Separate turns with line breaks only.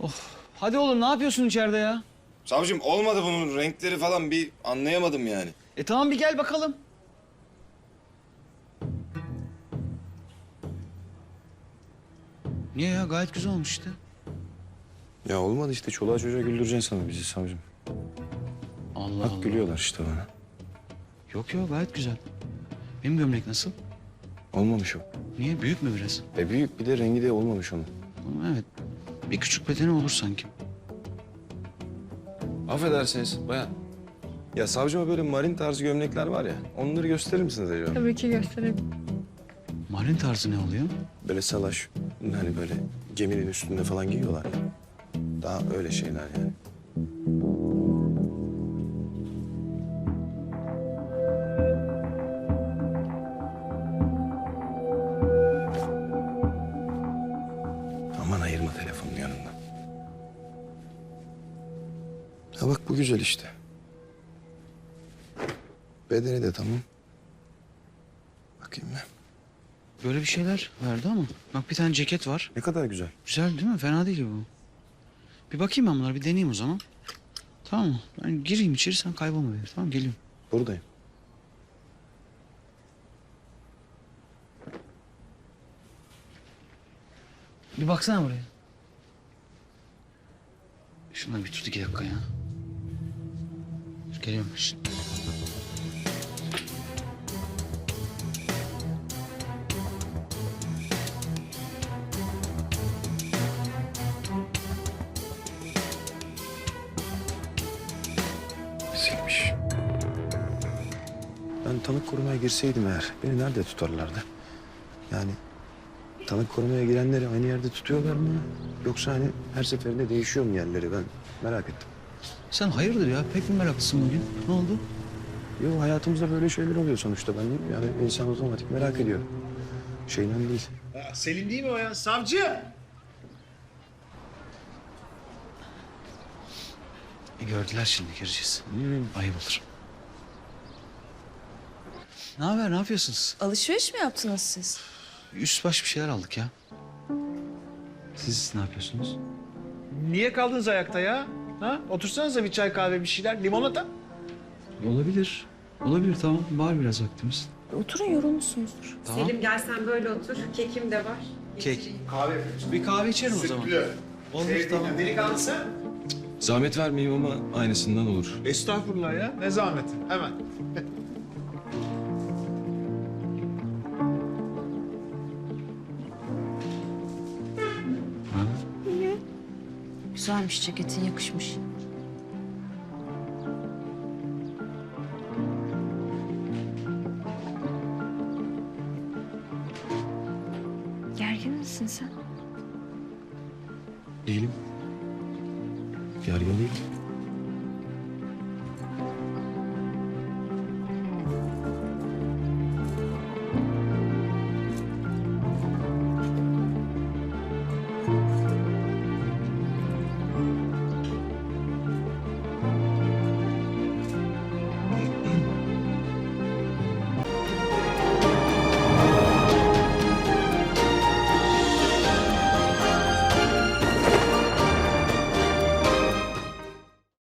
Hadi oğlum ne yapıyorsun içeride ya?
Savcım olmadı bunun renkleri falan bir anlayamadım yani.
Tamam bir gel bakalım. Niye ya? Gayet güzel olmuş işte.
Ya olmadı işte çoluğa çocuğa güldüreceksin sana bizi savcım.
Allah
Bak
Allah.
gülüyorlar işte bana.
Yok gayet güzel. Benim gömlek nasıl?
Olmamış o.
Niye? Büyük mü biraz?
Büyük bir de rengi de olmamış onun.
Ama evet. Bir küçük bedeni olur sanki.
Affedersiniz bayan. Ya savcıma böyle marin tarzı gömlekler var ya. Onları gösterir misiniz acaba?
Tabii ki gösterebilirim.
Marin tarzı ne oluyor?
Böyle salaş, hani böyle geminin üstünde falan giyiyorlar ya. Daha öyle şeyler yani. Aman ayırma telefonun yanından. Ha bak bu güzel işte. Bedeni de tamam. Bakayım ben.
Böyle bir şeyler verdi ama. Bak bir tane ceket var.
Ne kadar güzel.
Güzel değil mi? Fena değil bu. Bir bakayım ben bunlara bir deneyeyim o zaman. Tamam mı? Ben gireyim içeri sen kaybolma beni. Tamam geliyorum.
Buradayım.
Bir baksana buraya. Şunları bir tut 2 dakika ya. Dur, geliyorum şimdi.
Silmiş. Ben tanık korumaya girseydim eğer beni nerede tutarlardı? Yani tanık korumaya girenleri aynı yerde tutuyorlar mı? Yoksa hani her seferinde değişiyor mu yerleri ben merak ettim.
Sen hayırdır ya? Pek mi meraklısın bugün? Ne oldu?
Yo hayatımızda böyle şeyler oluyor sonuçta ben yani insan otomatik merak ediyor. Şeyden değil.
Selim değil mi o ya? Savcı!
Gördüler şimdi gireceğiz. Ayıp olur. Ne haber? Ne yapıyorsunuz?
Alışveriş mi yaptınız siz?
Üst baş bir şeyler aldık ya. Siz ne yapıyorsunuz?
Niye kaldınız ayakta ya? Ha? Otursanıza bir çay kahve bir şeyler. Limonata.
Olabilir. Olabilir tamam. Var biraz vaktimiz.
Oturun yorulmuşsunuzdur.
Tamam.
Selim gel sen böyle otur. Kekim de var.
Kek.
Kahve yapıyoruz.
Bir kahve içerim o zaman. Olur tamam.
Delikanlısı.
Zahmet vermeyeyim ama aynısından olur.
Estağfurullah ya. Ne zahmeti. Hemen.
Güzelmiş ceketin yakışmış. Gergin misin sen?
Değilim. Gergin değil.